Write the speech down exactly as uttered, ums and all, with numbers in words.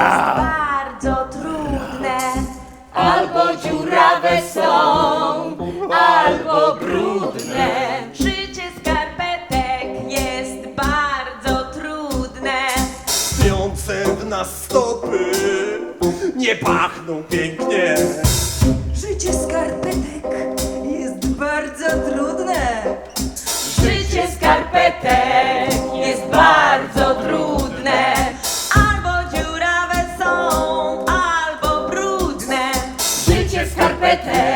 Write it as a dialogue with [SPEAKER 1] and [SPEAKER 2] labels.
[SPEAKER 1] bardzo trudne. Albo dziurawe są, albo brudne. Szycie skarpetek jest bardzo trudne.
[SPEAKER 2] Śpiące w nas stopy nie pachną pięknie.
[SPEAKER 3] Szycie skarpetek jest bardzo trudne.
[SPEAKER 1] Szycie skarpetek jest bardzo trudne. Albo dziurawe są, albo brudne. Szycie skarpetek